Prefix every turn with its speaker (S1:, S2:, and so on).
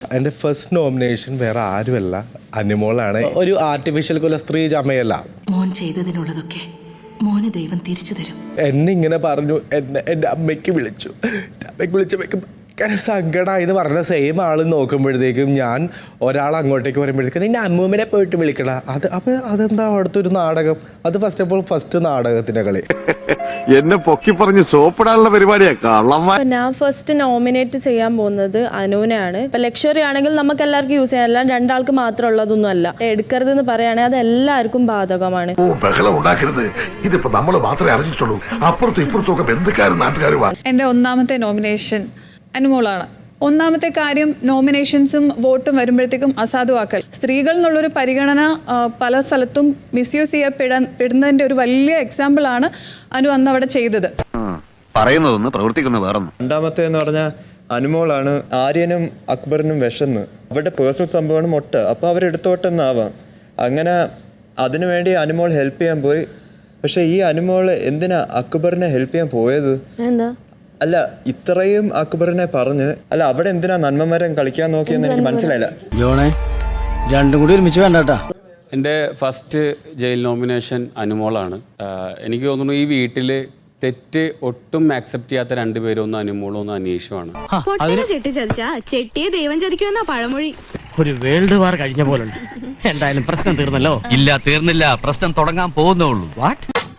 S1: എൻ്റെ first nomination വേറെ ആരുമല്ല, അനുമോളാണ്. ഒരു ആർട്ടിഫിഷ്യൽ കുലസ്ത്രീ ചമയല്ല.
S2: മോൻ ചെയ്തതിനുള്ളതൊക്കെ മോന് ദൈവം തിരിച്ചു തരും.
S1: എന്നെ ഇങ്ങനെ പറഞ്ഞു, എൻ്റെ അമ്മയ്ക്ക് വിളിച്ചു. അമ്മയ്ക്ക് വിളിച്ചപ്പോഴേക്കും ഭയങ്കര സങ്കടമായി എന്ന് പറഞ്ഞ സെയിം ആൾ നോക്കുമ്പോഴത്തേക്കും ഞാൻ ഒരാൾ അങ്ങോട്ടേക്ക് വരുമ്പോഴത്തേക്കും നിന്റെ അമ്മൂമ്മനെ പോയിട്ട് വിളിക്കട. അപ്പോൾ അതെന്താ അവിടുത്തെ ഒരു നാടകം? അത് ഫസ്റ്റ് ഓഫ് ഓൾ ഫസ്റ്റ് നാടകത്തിൻ്റെ കളി.
S3: എന്നെ പൊക്കി പറഞ്ഞ് സോപ്പിടാനുള്ള പരിപാടിയാ കള്ളമ്മ.
S4: ഞാൻ ഫസ്റ്റ് നോമിനേറ്റ് ചെയ്യാൻ പോകുന്നത് അനുവിനെയാണ്. ഇപ്പൊ ലക്ഷറി ആണെങ്കിൽ നമുക്ക് എല്ലാവർക്കും യൂസ് ചെയ്യാൻ, അല്ല രണ്ടാൾക്ക് മാത്രം ഉള്ളതൊന്നും അല്ല. എടുക്കരുതെന്ന് പറയുകയാണെങ്കിൽ അത് എല്ലാവർക്കും ബാധകമാണ്.
S5: ബഹളം ഉണ്ടാക്കരുത്. ഇതിപ്പോ നമ്മൾ മാത്രമേ അറിഞ്ഞിട്ടുള്ളൂ. അപ്പുറത്തും ഇപ്പുറത്തും ഒക്കെ ബന്ധുക്കാരും നാട്ടുകാരുമാണ്.
S6: എൻ്റെ ഒന്നാമത്തെ നോമിനേഷൻ അനുമോളാണ്. ഒന്നാമത്തെ കാര്യം, നോമിനേഷൻസും വോട്ടും വരുമ്പോഴത്തേക്കും അസാധുവാക്കൽ. സ്ത്രീകൾ എന്നുള്ളൊരു പരിഗണന പല സ്ഥലത്തും മിസ്യൂസ് ചെയ്യപ്പെടുന്നതിൻ്റെ ഒരു വലിയ എക്സാമ്പിളാണ് അനു അന്ന് അവിടെ ചെയ്തത്.
S3: പറയുന്നതൊന്ന് പ്രവർത്തിക്കുന്ന വേറൊന്നും.
S7: രണ്ടാമത്തെ എന്ന് പറഞ്ഞാൽ അനുമോളാണ്. ആര്യനും അക്ബറിനും വിശന്ന് അവരുടെ പേഴ്സണൽ സംഭവമാണ് മൊട്ട, അപ്പോൾ അവരെടുത്തോട്ടെന്നാവാം. അങ്ങനെ അതിനുവേണ്ടി അനുമോൾ ഹെൽപ്പ് ചെയ്യാൻ പോയി. പക്ഷെ ഈ അനുമോൾ എന്തിനാ അക്ബറിനെ ഹെൽപ്പ് ചെയ്യാൻ പോയത്?
S4: എന്താ
S7: അല്ല, ഇത്രയും അക്ബറിനെ പറഞ്ഞ് അല്ല അവിടെ എന്തിനാ നന്മമരം കളിക്കാൻ നോക്കിയെന്ന് എനിക്ക് മനസ്സിലായില്ല.
S8: ജോണേ, രണ്ടും കൂടി ഒരുമിച്ച് വേണ്ടാ.
S9: എൻ്റെ ഫസ്റ്റ് ജയിൽ നോമിനേഷൻ അനുമോളാണ്. എനിക്ക് തോന്നുന്നു ഈ വീട്ടിൽ തെറ്റ് ഒട്ടും ആക്സെപ്റ്റ് ചെയ്യാത്ത രണ്ടുപേരും, ഒന്ന് അനുമോളും ഒന്ന് അനീഷുമാണ്.
S10: ചെട്ടി ചതിച്ചാ ചെട്ടിയെ ദൈവം ചതിക്കുമെന്നാ പഴമൊഴി.
S8: ഒരു വേൾഡ് വാർ കഴിഞ്ഞ പോലുണ്ട്. എന്തായാലും പ്രശ്നം തീർന്നല്ലോ.
S11: ഇല്ല, തീർന്നില്ല. പ്രശ്നം തുടങ്ങാൻ പോകുന്നേ ഉള്ളൂ.
S8: വാട്ട്?